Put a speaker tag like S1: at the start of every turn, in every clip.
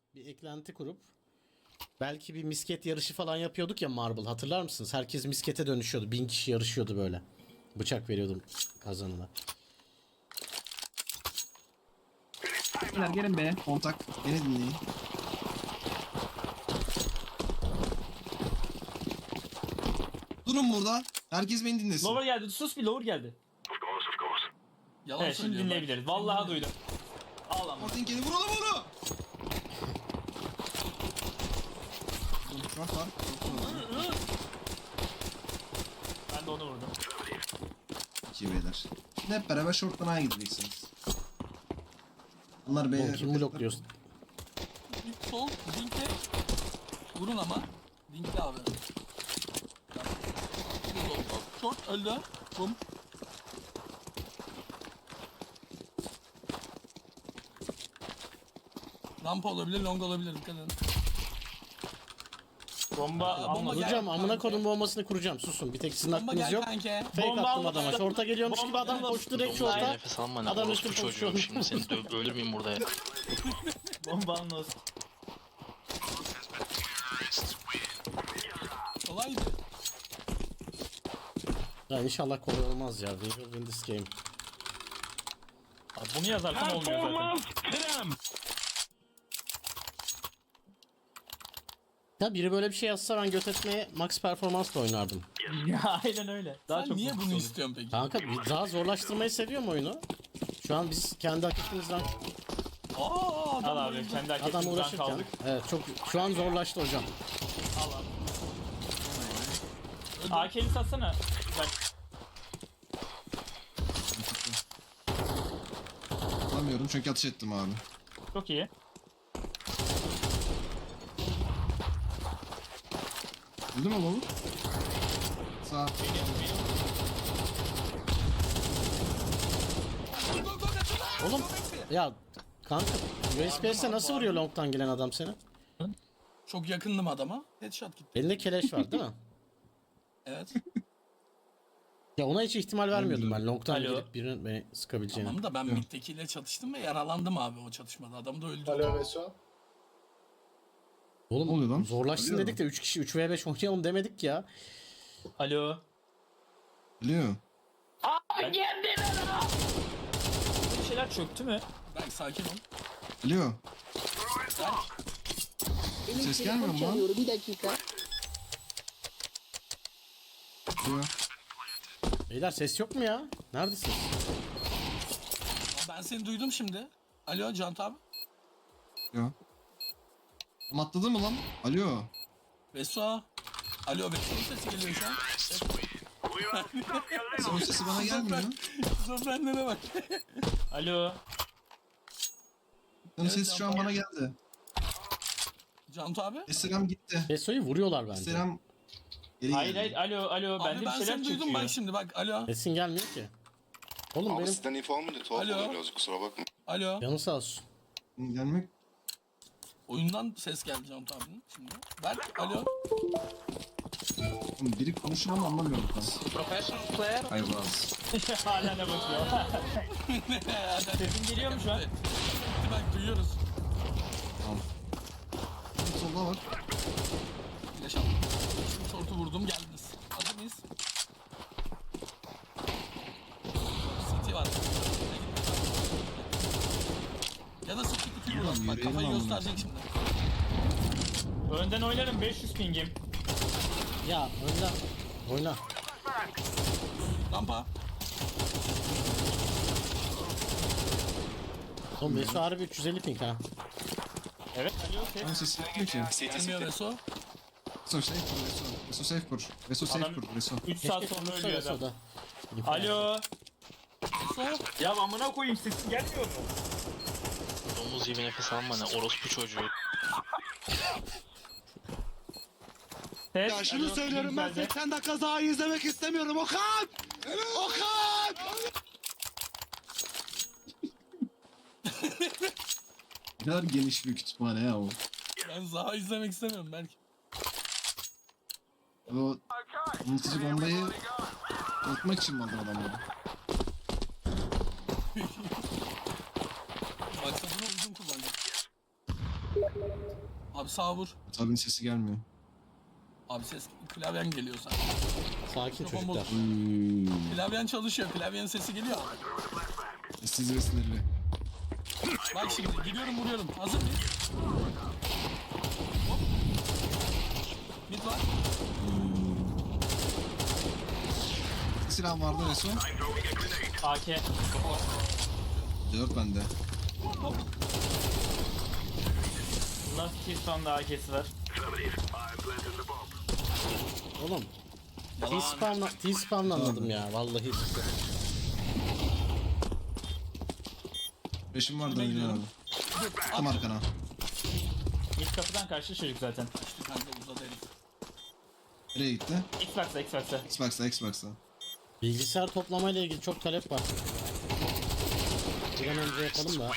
S1: bir eklenti kurup belki bir misket yarışı falan yapıyorduk ya Marble, hatırlar mısınız? Herkes miskete dönüşüyordu. 1000 kişi yarışıyordu böyle. Bıçak veriyordum kazanına.
S2: Beyler gelin be.
S3: Kontak. Beni dinleyin. Durun burada. Herkes beni dinlesin.
S4: Lower geldi. Sus bir lower geldi.
S2: Yalan
S4: Evet şimdi
S2: söylüyor bak.
S4: dinleyebiliriz. Vallahi duydum. Al ama.
S3: Mortinkeni vuralım onu. Short var.
S4: Ben de onu vurdum.
S3: İki beyler. Şimdi hep beraber short'tan A'ya gideceksiniz. Bunlar
S1: Oğlum
S3: B'ye...
S1: kim blokluyorsun?
S2: Bir sol, dinkle. Vurun ama. Dinkle abi. Short öldü. Bum. Rampa olabilir, long olabilir. Dikkat edin.
S4: Bomba almadı.
S2: gel.
S1: Kuracağım, amına
S2: kanka.
S1: kodum bombasını kuracağım. Susun. Bir tek sizin
S2: Bomba
S1: aklınız
S2: gel
S1: yok.
S2: kanka.
S1: Fake
S4: Bomba
S1: attım
S4: almadı.
S1: adama. Şorta geliyormuş gibi adam
S4: Bomba
S1: koştu direkt
S5: Domuz
S1: şorta.
S5: nefes alma ne?
S1: Adam
S5: Orospu
S1: üstüne
S5: çocuğum.
S1: koşuyor.
S5: Şimdi seni ölür müyüm burada ya?
S4: Bomba almaz.
S2: Kolaydı.
S1: Ya inşallah kolay olmaz ya. We will win this game.
S4: Abi bunu yazarsan olmuyor zaten.
S1: Ya biri böyle bir şey yazsa ben göt etmeye max performansla oynardım.
S4: Ya aynen öyle. Daha
S2: Sen
S4: çok
S2: niye
S4: mutlu
S2: bunu
S4: oldum.
S2: istiyorsun peki?
S1: Kanka daha zorlaştırmayı seviyorum oyunu. Şu an biz kendi hakikamızdan
S2: Aa,
S4: Al abi kendi
S1: adam
S4: hareketimizden
S1: uğraşırken.
S4: kaldık.
S1: Evet çok şu an zorlaştı hocam.
S4: Al abi. AK'li satsana. Bak
S3: Alamıyorum çünkü atış ettim abi.
S4: çok iyi.
S3: Öldü mü oğlum? Sağ.
S1: Oğlum ya kanka USPS'e nasıl vuruyor long'tan gelen adam seni?
S2: Çok yakındım adama. Headshot gitti.
S1: Elinde keleş var değil mi?
S2: Evet.
S1: Ya ona hiç ihtimal vermiyordum ben long'tan
S4: Alo.
S1: gelip birinin beni sıkabileceğini.
S2: Tamam da ben middekiyle çatıştım ve yaralandım abi o çatışmada. Adam da öldü.
S6: Alo Veso.
S1: Oğlum
S3: Ne oluyor lan?
S1: zorlaşsın
S3: Oluyor
S1: dedik de 3 kişi 3v5 oynayalım demedik ya.
S4: Alo.
S3: Biliyor.
S4: Bir şeyler çöktü mü?
S2: Belki sakin ol.
S3: Biliyor. Ses gelmiyor mu lan?
S7: Bir dakika.
S3: Biliyor.
S1: Beyler ses yok mu ya? Neredesin?
S2: Ben seni duydum şimdi. Alo Cant abi.
S3: Biliyor. Tam atladı mı lan? Alo.
S2: Veso. Alo Veso'nun sesi geliyor şu an.
S3: Son sesi bana gelmiyor.
S2: Şizofrenlere bak.
S4: Alo.
S3: Onun sesi şu an bana geldi.
S2: Cant abi.
S3: Esselam gitti.
S1: Beso'yu vuruyorlar bence.
S3: Esselam geri
S4: Hayır
S3: geldi.
S4: hayır alo alo
S2: Abi
S4: bende bir
S2: ben
S4: şeyler
S2: seni duydum
S4: çekiyor.
S2: bak şimdi bak. Alo.
S1: Sesin gelmiyor ki. Oğlum
S6: Abi
S1: benim
S6: sizden info almayınca tuhaf
S2: Alo.
S6: oluyor birazcık, kusura bakma.
S2: Alo.
S1: yanı sağ olsun.
S3: Gelmek.
S2: Oyundan ses geldi Cant abinin şimdi. Berk alo.
S3: Oğlum biri konuşuyor ama anlamıyorum ben. Hayır lazım.
S4: Hala ne bakıyor. Sesin geliyor mu şu an?
S2: Bak duyuyoruz.
S3: Solda var.
S2: Flash aldım. Şimdi short'u vurdum geldiniz. Hazır mıyız? CT var. Ya da sıkı kutuyu vuralım. Bak
S3: yürüyelim
S2: kafayı
S3: ama.
S2: gösterecek şimdi.
S4: Önden oynarım 500 pingim.
S1: Ya oyna. Oyna.
S2: Rampa.
S1: Oğlum Beso harbi 350 ping ha.
S4: Evet alo ses.
S3: Onun sesi yapmıyor ki.
S2: Gelmiyor Veso.
S3: Veso safe kur. Veso safe kur. Veso safe
S4: Adam-
S3: kur. Veso.
S4: 3 saat
S1: Keşke
S4: sonra
S1: konuşsa
S4: ölüyor adam.
S1: Beso'da.
S4: Alo.
S2: Veso.
S4: Ya amına koyayım sesin gelmiyor mu?
S5: Domuz gibi nefes alma ne? Orospu çocuğu.
S4: Ses.
S8: Ya şunu
S4: alo,
S8: söylüyorum ben
S4: güzelce.
S8: 80 dakika daha izlemek istemiyorum Okan! Okan!
S3: Ne kadar geniş bir kütüphane ya o.
S2: Ben Zaha izlemek istemiyorum belki.
S3: O unutucu bombayı unutmak için mi aldın adamları?
S2: Maksadını uzun kullanacak. Abi sağ vur.
S3: Tabii sesi gelmiyor.
S2: Abi ses klavyen geliyor sana.
S1: Sakin
S2: Mikrofon
S1: çocuklar.
S2: bozuk. Klavyen çalışıyor. Klavyenin sesi geliyor.
S3: Sessiz ve sinirli.
S2: Bak şimdi gidiyorum vuruyorum. Hazır mıyız? Hop. Mid var.
S3: Silah vardı en son.
S4: AK.
S3: 4 bende.
S2: Hop.
S4: Last Keystone AK'si var.
S1: Oğlum.
S2: Yalan.
S1: T-spamlanmadım ya. Vallahi.
S3: Beşim vardı
S2: Ben
S3: öyle
S2: gidiyorum.
S3: abi. Tam arkana.
S4: İlk kapıdan karşı çocuk zaten.
S2: Kaçtı kanka uzadı herif.
S3: Nereye gitti?
S4: Xbox'ta Xbox'ta.
S3: Xbox'a.
S1: Bilgisayar toplamayla ilgili çok talep var. Bir an önce yapalım da.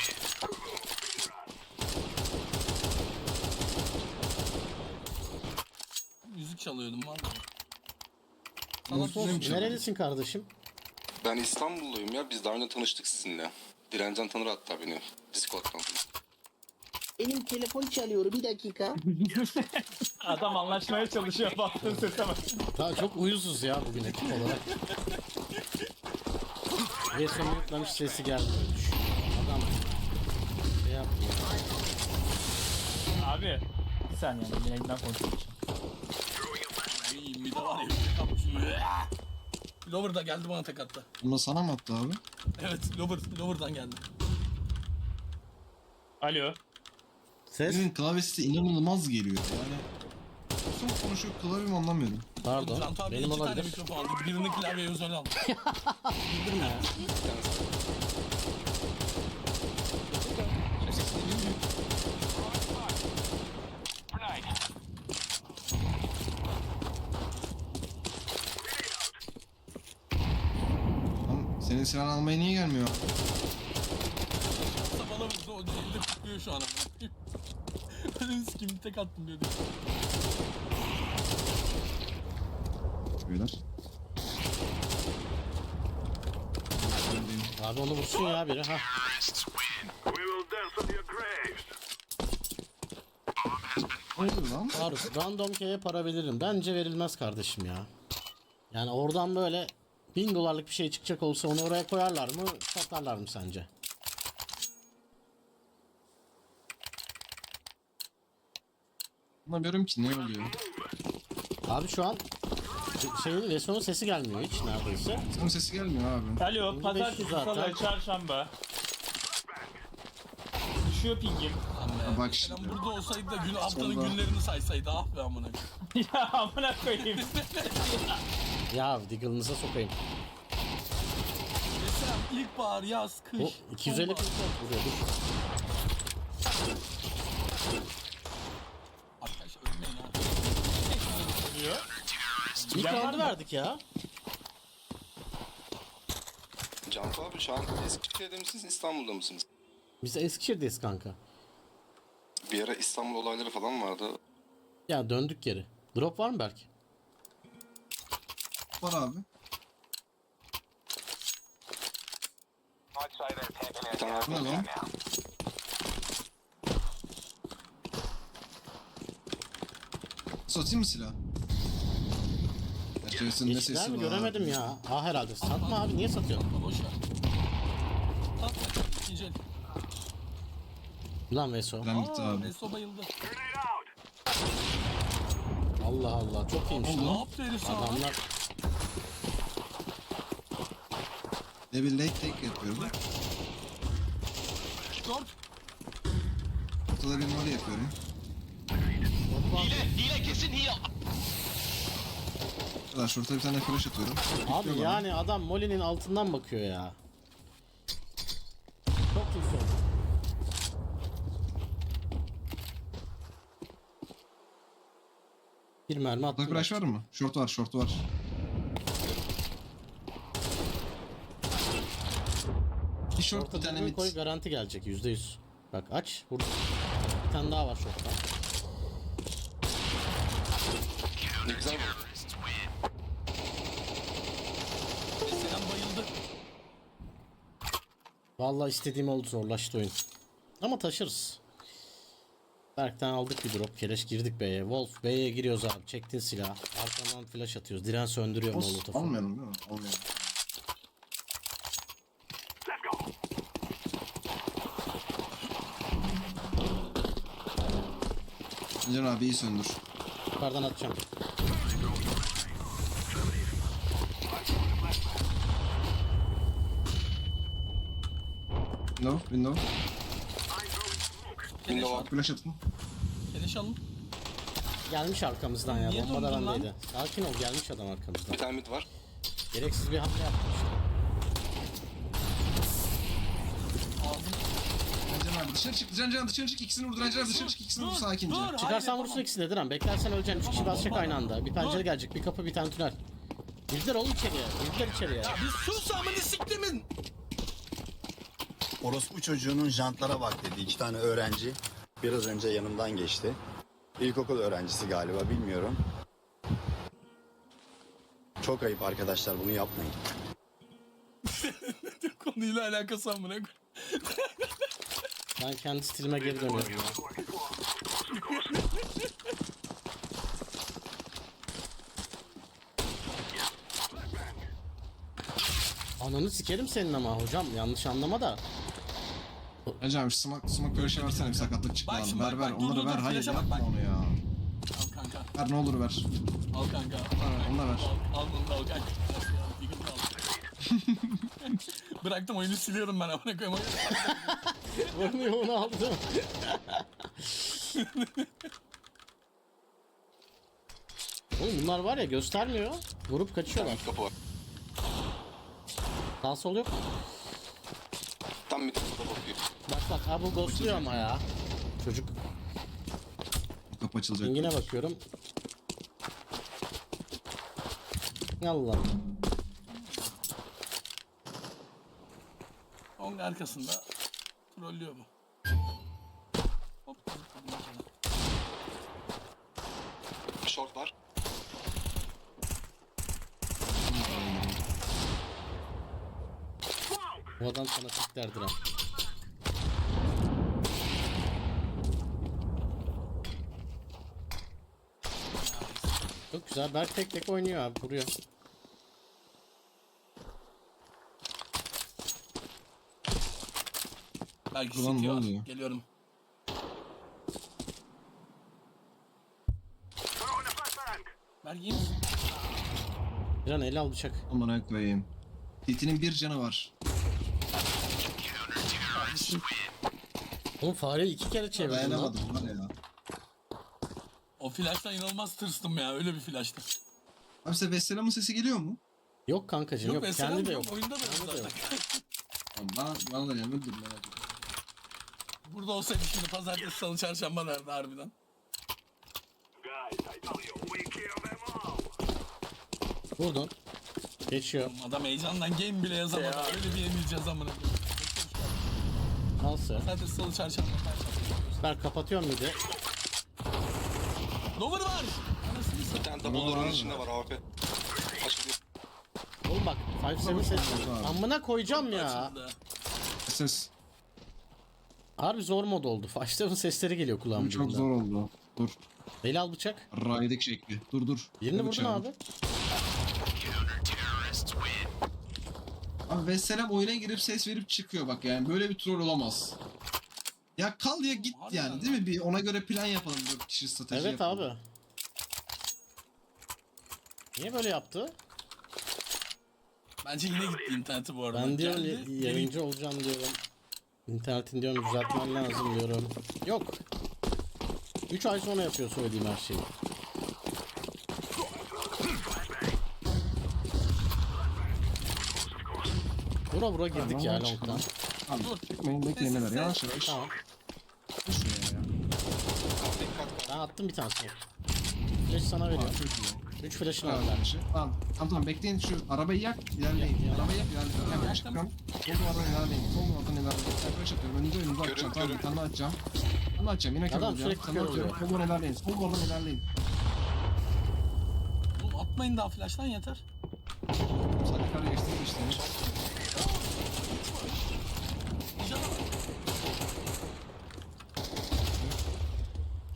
S2: Müzik çalıyordum var mı?
S1: Mustafa,
S3: Neymiş abi?
S1: nerelisin kardeşim?
S6: Ben İstanbulluyum ya. Biz daha önce tanıştık sizinle. Direncan tanır hatta beni. Discord'dan.
S7: Benim telefon çalıyor bir dakika.
S4: Adam anlaşmaya çalışıyor baktığın sese bak.
S1: Daha çok uyuzuz ya bugün ekip olarak. Resim yutlamış sesi geldi. Adam şey yaptı ya.
S4: Abi. Bir saniye yine elinden konuşuyorum.
S2: Ay mide var ya. Kapmış. Lover da geldi bana tek attı.
S3: Bunu sana mı attı abi?
S2: Evet Lover'dan geldi.
S4: Alo.
S1: Ses?
S3: Benim klavyesi inanılmaz geliyor yani. Nasıl konuşuyor klavyemi anlamıyorum.
S1: Pardon.
S2: Cantu abi
S1: Benim
S2: iki tane
S1: olabilir.
S2: mikrofon aldı. Birini klavyeye özel aldı.
S1: Bildirme ya.
S3: Lan senin silahını almaya niye gelmiyor?
S2: Bana vurdu o elde tutuyor şu an. Ben sikim tek attım diyordu.
S3: Beyler.
S1: Abi onu vursun ya biri. Ha.
S3: Hayır lan.
S1: Faruk, random key'e para veririm. Bence verilmez kardeşim ya. Yani oradan böyle 1000 dolarlık bir şey çıkacak olsa onu oraya koyarlar mı? Satarlar mı sence?
S3: Anlamıyorum ki ne oluyor.
S1: Abi şu an şeyin Veson'un sesi gelmiyor hiç neredeyse.
S3: Senin sesi gelmiyor abi.
S4: Alo.
S1: 1500
S4: Pazartesi,
S1: zaten.
S4: salı, çarşamba. Düşüyor pingim.
S3: Ha, bak
S2: Sen
S3: şimdi.
S2: burada olsaydı da haftanın
S3: Sonra-
S2: günlerini saysaydı ah be amına.
S4: Ya amına koyayım.
S1: Ya Diggle'ınıza sokayım.
S2: Mesela ilkbahar, yaz, kış.
S1: O 250
S2: sonbahar.
S1: ping vuruyor. Dur.
S2: Arkadaş ölmeyin ha.
S1: İlk
S4: Bilen var
S1: roundu
S4: mı?
S1: verdik ya.
S6: Cantu abi şu an Eskişehir'de misiniz, İstanbul'da mısınız?
S1: Biz Eskişehir'deyiz kanka.
S6: Bir ara İstanbul olayları falan vardı.
S1: Ya döndük geri. Drop var mı belki?
S3: Var abi.
S6: Bir tane
S3: Bu ne
S6: arkadaş.
S3: lan? Satayım mı silah? Gerçekten ne
S1: Geçtiler
S3: sesi
S1: mi
S3: var?
S1: göremedim ya. Ha herhalde. Satma abi niye satıyorsun?
S2: Boş ver. Tatlı. İkinci el.
S1: Lan Veso.
S3: Ben gitti abi.
S2: Meso bayıldı.
S1: Allah Allah çok iyiymiş
S2: Ne
S1: lan.
S2: yaptı herif sana?
S1: Adamlar
S3: Level late take yapıyorum.
S2: Dört.
S3: Ortada bir numara yapıyorum. Arkadaşlar şurada bir tane flash atıyorum.
S1: abi
S3: Bekliyorlar.
S1: yani adam Molly'nin altından bakıyor ya. Çok iyi sorun. Bir mermi
S3: Ortada
S1: attım.
S3: flash var mı? Short var, short var. Bir short bir
S1: Orta
S3: tane
S1: dürbün
S3: mid.
S1: koy garanti gelecek %100. Bak aç. Vur. Bir tane daha var şortta.
S6: Ne güzel bu.
S2: Selam bayıldı.
S1: Vallahi istediğim oldu zorlaştı oyun. Ama taşırız. Berk'ten aldık bir drop. Keleş girdik B'ye. Wolf B'ye giriyoruz abi. Çektin silah. Arkadan flash atıyoruz. Diren söndürüyor molotofu.
S3: Almayalım değil mi? Almayalım. Can abi iyi söndür.
S1: Yukarıdan atacağım.
S3: Window.
S2: Keleş al.
S3: Flash atın.
S2: Keleş alın.
S1: Gelmiş arkamızdan ya.
S2: Niye
S1: Bomba da
S2: durdun lan?
S1: bendeydi. Sakin ol, gelmiş adam arkamızdan.
S6: Bir tane mid var.
S1: Gereksiz bir hamle yaptım işte.
S3: Can abi dışarı çık. Can dışarı çık. İkisini vur. Can dışarı çık. İkisini vur sakince.
S2: Dur.
S1: Çıkarsan
S2: hayır,
S1: vursun ikisini de Diren. Beklersen öleceksin. 3 kişi basacak aynı anda. Bir pencere gelecek. Bir kapı, bir tane tünel. Girdiler oğlum içeriye. Girdiler içeriye.
S2: Bir sus amını siktimin.
S9: Orospu çocuğunun jantlara bak dedi. 2 tane öğrenci biraz önce yanımdan geçti. İlkokul öğrencisi galiba, bilmiyorum. Çok ayıp arkadaşlar, bunu yapmayın.
S2: Konuyla alakası amına koyayım.
S1: Ben kendi stilime geri dönüyorum ya. Ananı sikerim senin ama hocam, yanlış anlama da.
S3: Can abi smoke böyle şey versene, bir sakatlık çıktı
S2: Bak
S3: abi.
S2: şimdi,
S3: Ver
S2: bak, dur,
S3: onları
S2: dur,
S3: ver. Hayır
S2: flash'a bak,
S3: yapma
S2: bak.
S3: onu ya.
S2: Al kanka.
S3: Ver ne olur ver.
S2: Al kanka.
S3: Onu da ver.
S2: Al bunu da al kanka. Yıkıntı al. Bıraktım oyunu siliyorum ben amına koyayım.
S1: Vurmuyor, onu aldım. Oğlum bunlar var ya, göstermiyor. Vurup kaçıyorlar.
S6: Kapı var.
S1: Sağ sol yok.
S6: Tam mid kapı bakıyor.
S1: Bak bak, abi bu ghostluyor ama ya. Çocuk.
S3: Kapı açılacak.
S1: Yine bakıyorum. Allah.
S2: Onun arkasında trollüyor bu. Hop. zıpladım sana.
S6: Short var.
S1: Bu adam sana tiklerdir ha. Çok güzel. Berk tek tek oynuyor abi. Vuruyor.
S2: Belki
S3: Ulan ne
S2: sitiyor.
S3: oluyor?
S2: Geliyorum. Belki iyi misin?
S1: Bir an el al bıçak.
S3: Amına koyayım. Titinin bir canı var.
S1: Oğlum fareyi 2 kere çevirdin lan.
S3: Dayanamadım var ya.
S2: O flash'tan inanılmaz tırstım ya. Öyle bir flash'tı.
S3: Abi size Vesselam'ın sesi geliyor mu?
S1: Yok kankacığım yok.
S2: mesela
S1: Kendi de yok.
S2: Oyunda da yok
S1: Kendi de yok.
S3: Tamam, bana da gelmedi, dur merak etme.
S2: Burada olsaydı şimdi pazartesi, salı, çarşamba nerede harbiden?
S1: Vurdun. Geçiyor.
S2: Adam heyecandan game bile yazamadı. Öyle bir yenileceğiz amına koyayım.
S1: Nasıl?
S2: Pazartesi, salı, çarşamba.
S1: Berk kapatıyorum bir de.
S2: Lover var. Anasını
S6: Bir
S2: satayım.
S6: tane double door'un içinde var AWP. Açılıyor.
S1: Oğlum bak 5-7 ses. Amına koyacağım ya.
S2: Açıldı.
S3: Ses.
S1: Harbi zor mod oldu. 5-7 sesleri geliyor kulağımın
S3: Çok
S1: dibinde.
S3: zor oldu. Dur.
S1: El al bıçak.
S3: Raydik şekli. Dur.
S1: Birini
S3: Ne
S1: vurdun
S3: bıçağı?
S1: abi.
S3: Abi Vesselam oyuna girip ses verip çıkıyor bak, yani böyle bir troll olamaz. Ya kal ya git
S2: Harbiden
S3: yani,
S2: mi?
S3: değil mi? Bir ona göre plan yapalım, 4 kişi strateji
S1: Evet
S3: yapalım.
S1: abi. Niye böyle yaptı?
S2: Bence yine gitti interneti bu arada.
S1: Ben diyorum
S2: Geldi,
S1: yayıncı olacağım diyorum. İnternetin diyorum düzeltmen lazım diyorum. Yok. 3 ay sonra yapıyor söylediğim her şeyi. Vura girdik ya long'dan.
S3: Abi bekleyin neler, yavaş yavaş.
S1: Tamam.
S3: Dur şuraya ya.
S1: Ben attım bir tanesini. Flash sana veriyor.
S3: Çok iyi.
S1: 3 flash'ın
S3: Tamam,
S1: var.
S3: tamam bekleyin, şu arabayı yak, ilerleyin.
S1: Yak.
S3: Arabayı yak, ilerleyin. Hemen çıkıyorum. Sol duvardan ilerleyin. Sol duvardan ilerleyin. Sen böyle açıyorum. Önünüze açacağım. Tamam, bir tane açacağım. Bir tane açacağım. Yine kör
S1: Adam
S3: olacağım.
S1: sürekli
S3: Sana
S1: kör
S3: atıyorum.
S1: oluyor.
S3: Sol duvardan ilerleyin. Sol duvardan ilerleyin.
S2: Oğlum atmayın daha flash'tan yeter.
S3: Sadece kar geçtiğiniz işlemi.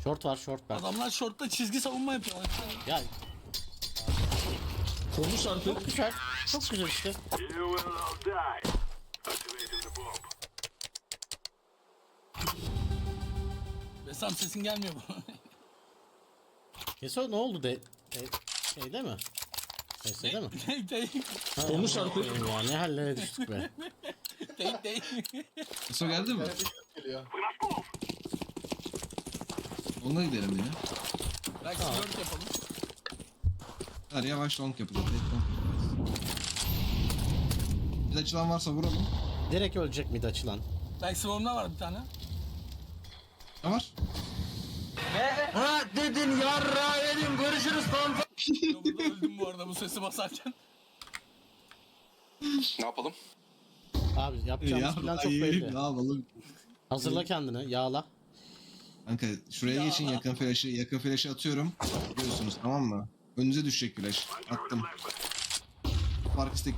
S1: Short var short ben.
S2: Adamlar shortta çizgi savunma yapıyorlar.
S1: Ya
S2: Konuş artık.
S1: çok güzel. Çok güzel işte.
S2: Besam sesin gelmiyor bu.
S1: Keso ne oldu şeyde mi? Sesde mi?
S2: Konuş artık.
S1: Ya ne hallere düştük be.
S2: Değil.
S3: Kısa geldi mi? Onunla gidelim yine.
S2: Belki flört yapalım.
S3: Hadi yavaş long yapacağız. Evet, long yapacağız. Bir açılan varsa vuralım.
S1: Direkt ölecek mid açılan.
S2: Belki swarm'da var bir tane.
S3: Ne var?
S2: Burada öldüm bu arada bu sesi basarken.
S6: Ne yapalım?
S1: Abi yapacağımız plan çok belli.
S3: Ne yapalım?
S1: Hazırla kendini yağla.
S3: Kanka şuraya geçin, yakın flash'ı atıyorum. Biliyorsunuz tamam mı? Önünüze düşecek flash. Attım. Fark istek.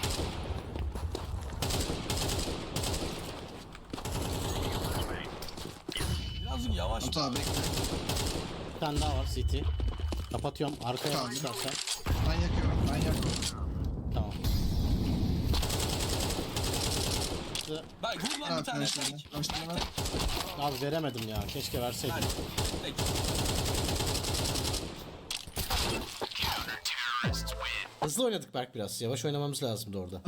S2: Birazcık yavaş.
S3: Tut abi.
S1: Bir tane daha var CT. Kapatıyorum arkaya
S3: Tamam.
S1: çıkarsan.
S3: Ben yakıyorum. Ben yakıyorum.
S1: Tamam.
S2: Bak vur lan bir
S3: Tamam
S2: tane.
S3: flash'larını. Flash'larını.
S1: Abi veremedim ya. Keşke verseydim.
S2: Peki.
S1: Hızlı oynadık Berk biraz. Yavaş oynamamız lazımdı orada.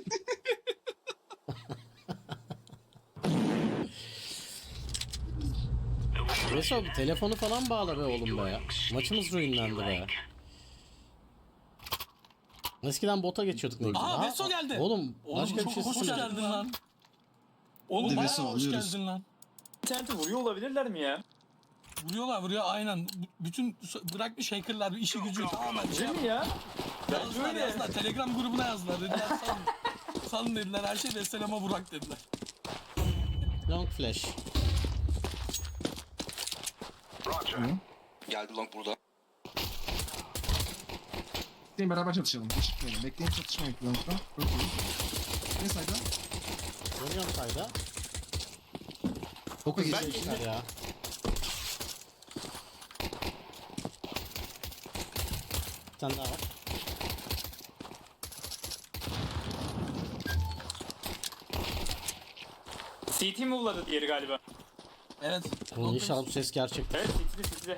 S1: Reso telefonu falan bağla be oğlum be ya. Maçımız ruinlendi be. Eskiden bota geçiyorduk ne güzel.
S2: Aa
S1: Ha,
S2: Veso geldi.
S1: Oğlum başka bir
S2: çok
S1: şey
S2: hoş
S1: söyle.
S2: geldin lan. Oğlum
S3: Hadi
S2: bayağı
S3: Veso,
S2: hoş
S3: alıyoruz.
S2: geldin lan.
S4: İnterneti vuruyor olabilirler mi ya?
S2: Vuruyor aynen. Bütün bırak bir shaker'lar bir işi gücü tamamen şey
S4: Değil mi ya? Bence
S2: yazdılar,
S4: öyle.
S2: yazdılar. Telegram grubuna yazdılar. Dediler salın. Salın dediler. Her şey de selama Burak dediler.
S1: Long flash.
S6: Geldi long burada.
S3: Bekleyin beraber çatışalım. Hiç çıkmayalım. Bekleyin çatışmayın. Long'da. Çok iyi. Ne sayda?
S1: Dönüyorum sayda.
S3: Boka
S1: Güzel
S3: geçecek.
S1: işler ya. Bir tane daha var.
S4: CT mi uladı diğeri galiba?
S2: Evet.
S1: Oğlum inşallah bu ses gerçekten.
S4: Evet CT'de.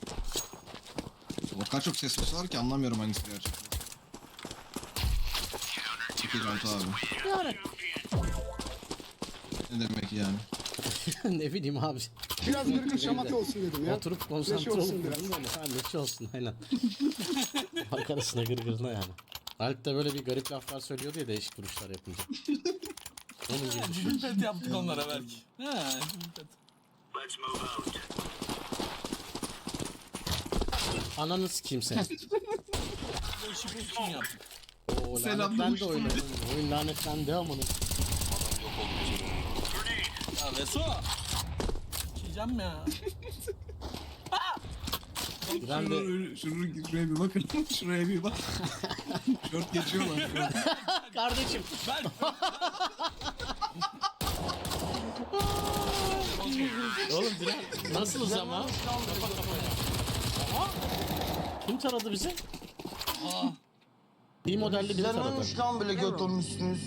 S3: O kadar çok ses var ki anlamıyorum hangisi gerçekten. Çok iyi Cantu abi.
S1: Yani.
S3: Ne demek yani?
S1: Ne bileyim abi.
S8: Biraz gırgır şamata olsun dedim ya.
S1: Oturup konsantre
S8: olsun
S1: olup
S8: biraz.
S1: böyle. Ha neşe olsun aynen. Arkadaşına gırgırına yani. Alp de böyle bir garip laflar söylüyordu ya değişik duruşlar yapınca. Onun gibi düşün.
S2: Cibin pet yaptık onlara belki. Ha, cibin pet.
S1: Ananı sikeyim seni.
S2: Bu işi bu için yaptık.
S1: Oo
S3: Selam
S1: lanetlendi
S3: demiş.
S1: oyun. Oyun lanetlendi amına.
S2: Ya Veso. Çiğeceğim ya.
S1: Ben de
S3: Şuraya bir bakın. Şuraya bir bak. Short geçiyorlar.
S1: kardeşim.
S2: Ben.
S1: Oğlum Dilan nasılız ama? Kafa kafaya. Aha. Kim taradı bizi?
S2: Aa,
S1: Bir modelli biri taradı.
S8: lan böyle göt olmuşsunuz.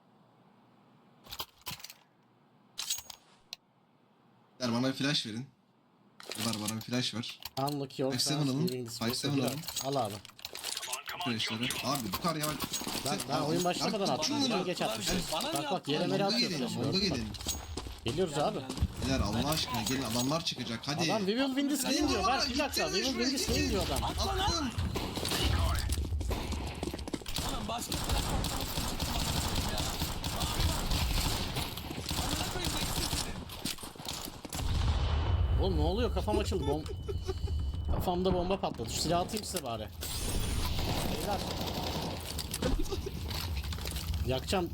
S3: Ver bana bir flash verin. Var bana bir flash ver.
S1: Unlock your
S3: 5-7 alın.
S1: living this
S3: 5-7
S1: world.
S3: alın.
S1: Al abi.
S3: Flashları. Abi bu kadar yavaş.
S1: Ben oyun başlamadan attım. Sen geç atmışsın.
S2: Bana
S1: Bak
S2: ne
S1: bak yere
S2: yaptılar?
S1: mere
S3: Longa
S1: atıyorsun.
S3: gelin. Longa gelin.
S1: Geliyoruz abi.
S3: Beyler Allah aşkına gelin adamlar çıkacak hadi.
S1: Adam we will win this game diyor. Ver bir dakika. We will win this game diyor adam.
S3: Attım.
S2: Oğlum başka
S1: Oğlum ne oluyor? Kafam açıldı. Kafamda bomba patladı. Şu silahı atayım size bari. Beyler. Yakacağım.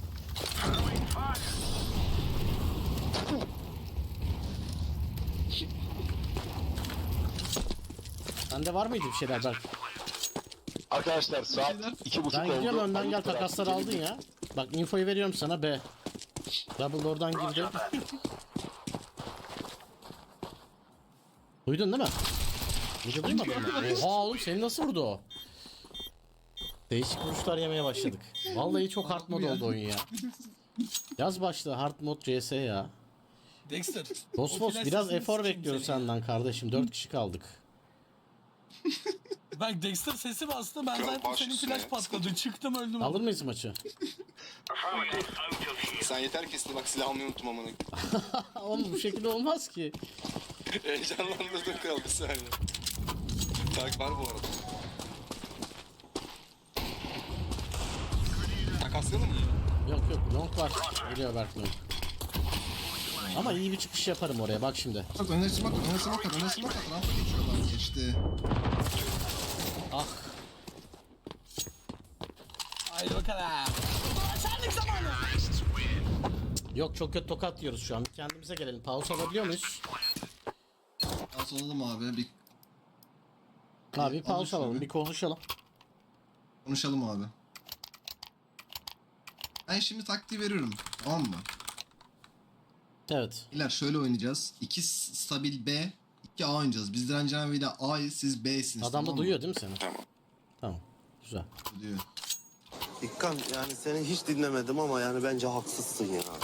S1: Sende var mıydı bir şeyler Berk?
S9: Arkadaşlar saat 2:30
S1: Ben
S9: oldu.
S1: gidiyorum önden gel
S9: Ayıp
S1: takasları
S9: bıraktık.
S1: aldın ya. Bak infoyu veriyorum sana B. Double oradan girdi. Duydun değil mi? Midi duymadın mı? Oha oğlum seni nasıl vurdu o? Değişik vuruşlar yemeye başladık. Vallahi çok hard mod oldu oyun ya. Yaz başla hard mod CS ya.
S2: Dexter.
S1: Bosmos
S2: o
S1: biraz
S2: flash
S1: efor
S2: sesini
S1: bekliyoruz
S2: sikeyim
S1: senden kardeşim. 4 kişi kaldık.
S2: seni. Bak Dexter sesi bastı. Ben
S6: Kral
S2: zaten
S6: baş
S2: senin
S6: üstüne.
S2: flash patladı. Çıktım öldüm.
S1: Alır mıyız maçı?
S6: Sen yeter ki bak silah almayı unutma amına.
S1: Oğlum bu şekilde olmaz ki.
S6: Heyecanlandırdın kral bir saniye. Fark var bu arada. Takaslayalım mı?
S1: Yok yok long var. Geliyor Berk long. Ama iyi bir çıkış yaparım oraya bak şimdi.
S3: Bak önüne smoke at, önüne smoke at, önüne smoke at. Rampa geçiyorlar. Geçti.
S1: Ah.
S2: Haydi bakalım. Şenlik zamanı.
S1: Yok çok kötü tokat yiyoruz şu an. Kendimize gelelim. Pause alabiliyor muyuz?
S3: Pas olalım abi. Bir
S1: Abi bir pause
S3: Alışın
S1: alalım.
S3: abi.
S1: Bir konuşalım.
S3: konuşalım abi. Ben şimdi taktiği veriyorum. Tamam mı?
S1: Evet.
S3: İler şöyle oynayacağız. 2 stabil B, 2 A oynayacağız. Biz Direncan ile A'yız, siz B'siniz.
S1: Adam da
S3: tamam mı?
S1: duyuyor değil mi seni?
S6: Tamam.
S1: Tamam. Güzel.
S3: Duyuyor.
S8: İkkan yani seni hiç dinlemedim ama yani bence haksızsın ya.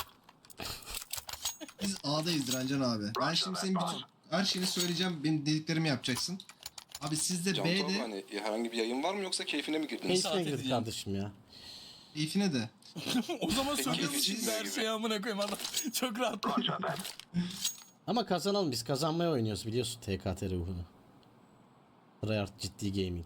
S3: Biz A'dayız Direncan abi. Ben şimdi senin bütün her şeyini söyleyeceğim. Benim dediklerimi yapacaksın. Abi siz de
S6: Can abi
S3: B'de
S6: hani herhangi bir yayın var mı yoksa keyfine mi girdiniz?
S1: Keyfine girdik
S2: edeceğim.
S1: kardeşim ya.
S3: keyfine de.
S2: O zaman söylüyor
S6: Peki,
S2: musun her
S6: gibi.
S2: şeyi amına koyayım adam. Çok rahat.
S1: Ama kazanalım biz. Kazanmaya oynuyoruz biliyorsun TKT ruhunu. Tryhard ciddi gaming.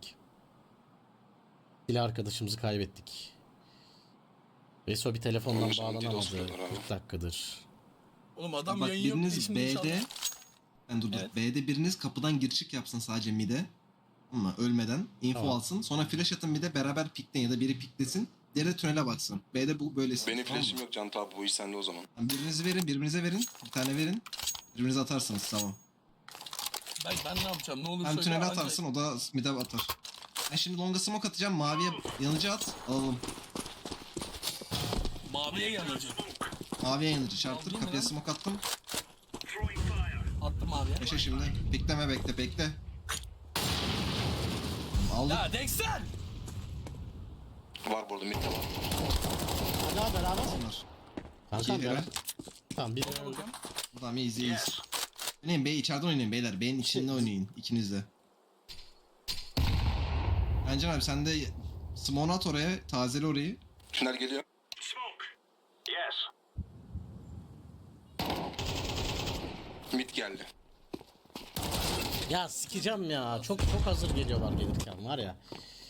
S1: Silah arkadaşımızı kaybettik. Veso bir telefondan
S6: Oğlum, sana DDoS
S1: bağlanamadı.
S6: diyorlar abi.
S1: 40 dakikadır.
S2: Oğlum adam
S3: Bak
S2: yayın yok diye
S3: biriniz
S2: şimdi inşallah.
S3: B'de ben dur dur.
S2: Evet.
S3: B'de biriniz kapıdan gir çık yapsın sadece mid'e. Ama ölmeden info
S1: Tamam.
S3: alsın. Sonra flash atın mid'e beraber pikleyin ya da biri piklesin. Diğeri de tünele baksın. B'de bu böylesi.
S6: Benim
S3: tamam mı?
S6: flash'im yok Can abi bu iş sende o zaman.
S3: Yani birinizi verin, birbirinize verin. Bir tane verin. Birbirinize atarsınız tamam.
S2: Ben ne yapacağım? Ne olur
S3: Sen
S2: söyle.
S3: tünele
S2: anca-
S3: atarsın o da mid'e atar. Ben şimdi longa smoke atacağım. Maviye yanıcı at. Alalım.
S2: Maviye yanacak.
S3: Maviye yanıcı çarptır.
S2: Aldın mı
S3: Kapıya
S2: lan?
S3: smoke attım.
S2: Attım maviye.
S3: Yaşa şimdi. Bekleme bekle. Aldık.
S2: Ya Dexter!
S6: Var burada midde var.
S1: Hadi beraber.
S3: Bunlar.
S1: Kankam
S3: İki
S1: ya.
S3: helal.
S1: Tamam bir
S2: Bakalım.
S3: Tamam iyiyiz. Oynayın Bey içeriden oynayın beyler. B'nin içinde oynayın ikiniz de. Bence abi sen de smoke at oraya. Tazele orayı.
S6: Tünel geliyor. Mid geldi.
S1: Ya sikeceğim ya. Çok hazır geliyorlar gelirken var ya.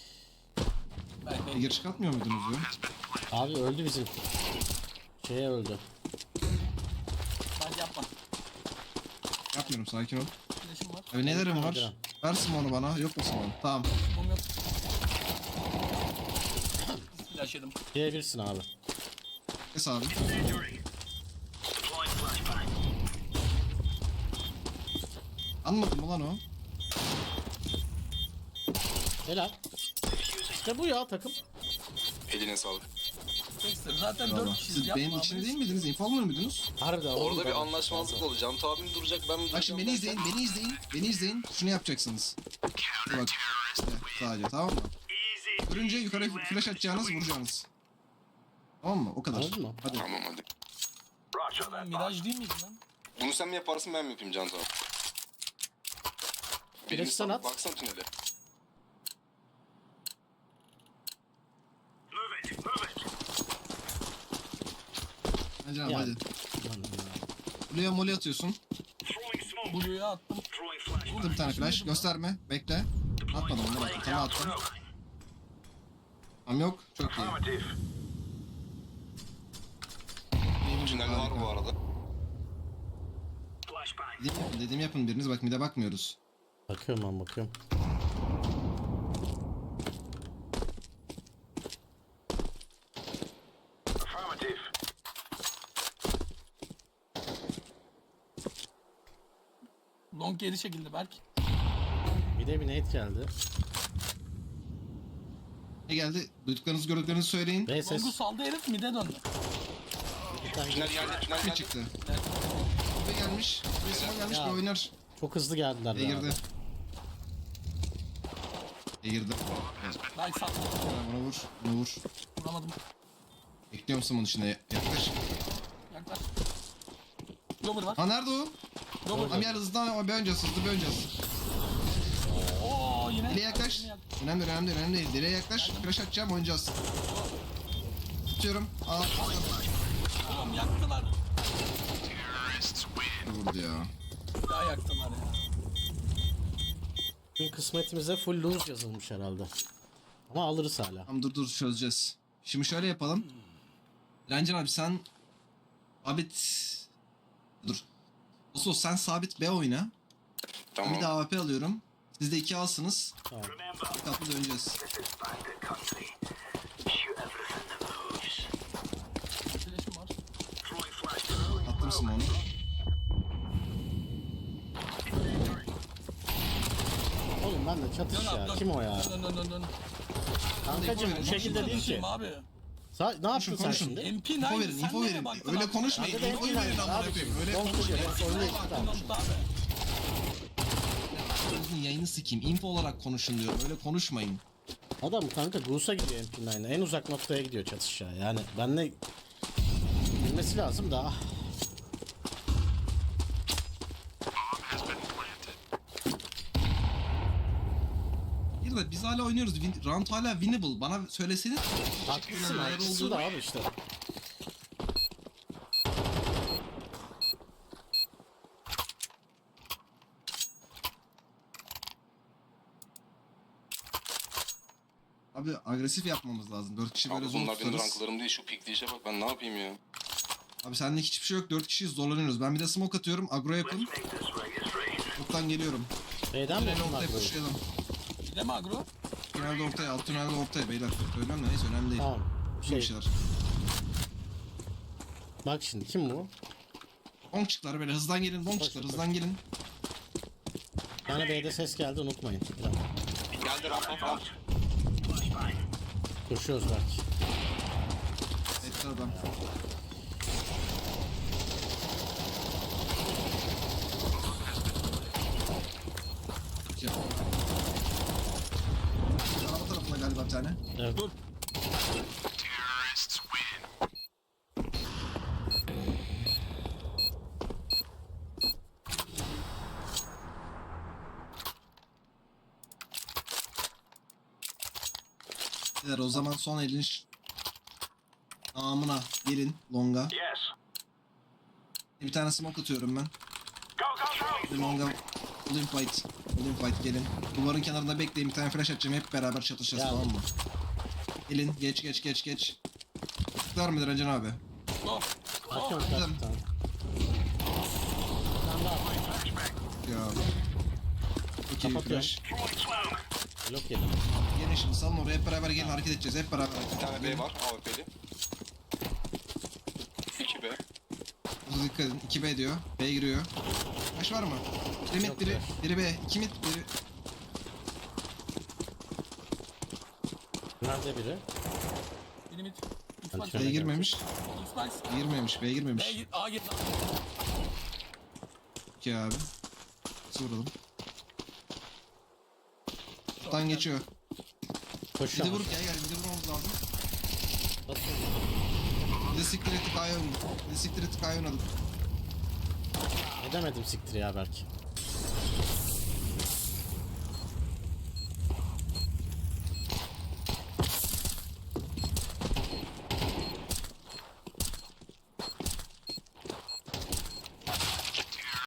S3: Gir çıkartmıyor muydunuz ya?
S1: Abi öldü bizim. Şeye öldü.
S2: Bence yapma.
S3: Yapmıyorum sakin ol.
S2: Flash'ım var.
S3: Abi nelerim
S1: Hadi
S3: var?
S1: lan.
S3: Ver smoke'u bana. Yok mu smoke? Tamam.
S2: Mum yok. Flash yedim.
S1: Diyebilirsin abi.
S3: Kes abi. Anladın mı lan o?
S1: Helal. İşte bu ya takım.
S6: Eline sağlık.
S2: Dexter zaten
S3: Valla.
S2: 4 kişiyiz.
S3: Siz
S2: Yapma
S3: benim
S2: abi.
S3: içinde değil miydiniz? İnfo almıyor muydunuz?
S1: Harbiden.
S6: Orada
S1: oğlum
S6: bir
S1: ben-
S6: anlaşmazlık oldu. Can abim duracak ben mi duracağım?
S3: Bak şimdi beni izleyin, beni izleyin. Şunu yapacaksınız. Bak işte sadece tamam mı? Görünce yukarı flash atacağınız, vuracağınız. Tamam mı? O kadar.
S1: Anladın mı?
S3: Hadi.
S6: Tamam hadi.
S2: Miraj değil miydi lan?
S6: Bunu sen mi yaparsın ben mi yapayım Can abi?
S1: Flash sen at.
S6: Baksana tünele.
S3: Bence abi
S1: Ya.
S3: hadi.
S1: Lan ya.
S3: Buraya molly atıyorsun.
S2: Blue'ya attım.
S3: Burada bir tane flash. Gösterme. Bekle. Atmadım onları attım. Sana attım. Tamam yok. Çok iyi.
S6: Tünel var bu arada.
S3: Dediğimi yapın biriniz. Bak mid'e bakmıyoruz.
S1: Bakıyorum ben bakıyorum.
S2: Long geri çekildi belki.
S1: Bir de bir nade geldi.
S3: Ne geldi? Duyduklarınızı gördüklerinizi söyleyin.
S1: Ve ses.
S2: Long'u saldı herif mide döndü.
S1: Bir tane
S6: Tünel geldi, tünel
S3: Ne
S6: geldi.
S3: çıktı? Ve gelmiş. Bir gelmiş
S1: Ya.
S3: bir oynar.
S1: Çok hızlı geldiler
S3: B
S1: be
S3: girdi.
S1: abi.
S3: B girdi.
S2: Ben sağ
S3: Buna vur. Buna vur.
S2: vuramadım.
S3: Bekliyor musun bunun içine? Yaklaş.
S2: Yaklaş. Lover var.
S3: Ha nerede o?
S2: Lover.
S3: Tam yer hızlı ama bir önce hızlı bir önce.
S2: Oo yine.
S3: Direğe yaklaş. Önemli değil, önemli değil, önemli değil. Direğe yaklaş. Flash atacağım, oynayacağız. Tutuyorum. Al.
S2: Oğlum yaktılar.
S3: Vurdu ya.
S2: Daha yaktılar ya.
S1: Bugün kısmetimize full lose yazılmış herhalde. Ama alırız hala.
S3: Tamam dur çözeceğiz. Şimdi şöyle yapalım. Ranger abi sen sabit... Dur. Oso sen sabit B oyna. Ben
S6: Tamam.
S3: bir de AWP alıyorum. Siz de 2 alsınız.
S1: Tamam.
S3: Bir kapı döneceğiz.
S2: Flash'im var.
S3: Attım Simon'u.
S1: Oğlum ben de çatış
S2: Dön
S1: ya.
S2: abi dön.
S1: Kim o ya?
S2: Dön.
S1: Kankacım bu şekilde değil ki.
S2: Konuşayım abi.
S1: Ne yaptın sen
S3: konuşun.
S1: şimdi?
S2: MP9
S3: Info verin,
S2: sen
S3: info
S2: nereye
S3: verin.
S2: baktın
S3: Öyle
S2: abi?
S3: konuşmayın.
S1: Kanka da
S3: Infoyu
S1: MP9
S3: verin amına
S1: abi.
S3: koyayım. Öyle
S1: Don't
S3: konuşmayın.
S1: forget, oyunu
S2: Nereye
S1: iki
S2: baktın
S1: tane.
S2: abi?
S3: Sizin yayını sikeyim. Info olarak konuşun diyorum. Öyle konuşmayın.
S1: Adam kanka Goose'a gidiyor MP9'a. En uzak noktaya gidiyor çatışa. Yani benle bilmesi lazım da.
S3: Bir de biz hala oynuyoruz. Round hala winnable. Bana söyleseniz.
S1: Haklısın
S3: Neler
S1: haklısın
S3: olduğunu.
S1: da abi işte.
S3: Abi agresif yapmamız lazım. 4 kişi böyle
S6: Abi
S3: zor
S6: bunlar benim
S3: tutarız.
S6: ranklarım değil. Şu pikleyişe bak ben ne yapayım ya.
S3: Abi sende hiçbir şey yok. 4 kişiyiz zorlanıyoruz. Ben bir de smoke atıyorum. Agro yapın. Toptan geliyorum.
S1: B'den mi
S3: Tünelde
S1: bunlar
S3: ortaya
S1: böyle?
S3: koşuyalım.
S2: Bir de mi agro?
S3: Tünelde ortaya, alt tünelde ortaya beyler. Söylüyorum da neyse önemli değil.
S1: Tamam.
S3: Bir
S1: Şey,
S3: şeyler.
S1: bak şimdi kim bu?
S3: Bonkçıklar böyle hızdan gelin. Bonkçıklar hızdan gelin.
S1: Bir tane B'de ses geldi unutmayın. Bir dakika.
S6: Geldi rampa.
S1: Koşuyoruz belki.
S3: Etti adam. Ya. Araba tarafına galiba bir tane.
S1: Evet.
S2: Dur.
S3: Beyler, o zaman son elin namına gelin longa. Bir tane smoke atıyorum ben. Bir longa Olim fight. Olim fight gelin. Duvarın kenarında bekleyin, bir tane flash atacağım, hep beraber çatışacağız,
S1: Geldim.
S3: tamam mı? Gelin geç. Tıklar mıdır Acan abi?
S2: Go.
S1: Bakıyorum
S3: Güzel.
S1: kaç tane. Bir tane daha.
S3: Ya. Çok iyi bir
S1: Kapatıyorum.
S3: flash.
S1: Blok yedim.
S3: Gelin şimdi salın oraya, hep beraber gelin, hareket edeceğiz, hep beraber.
S6: Bir tane B var AWP'li. 2B.
S3: Hızlı dikkat edin. 2B diyor. B giriyor. Flash var mı? Biri
S1: Yok
S3: mid, biri,
S1: flash.
S3: biri B. 2 mid, biri...
S1: Nerede biri?
S2: Biri mid.
S1: Ben
S2: Xbox.
S1: tünele
S3: B girmemiş.
S2: Xbox.
S3: B girmemiş, B girmemiş.
S2: B git. A git.
S3: Ki abi. Nasıl vuralım? Şuradan geçiyor. Bir de
S1: Koşuyorum.
S3: vurup gel bir de vurmamız lazım.
S1: Basıyorum.
S3: Bir de siktir ettik A'ya oynadık. Bir de siktir ettik A'ya oynadık.
S1: Edemedim siktir ya belki.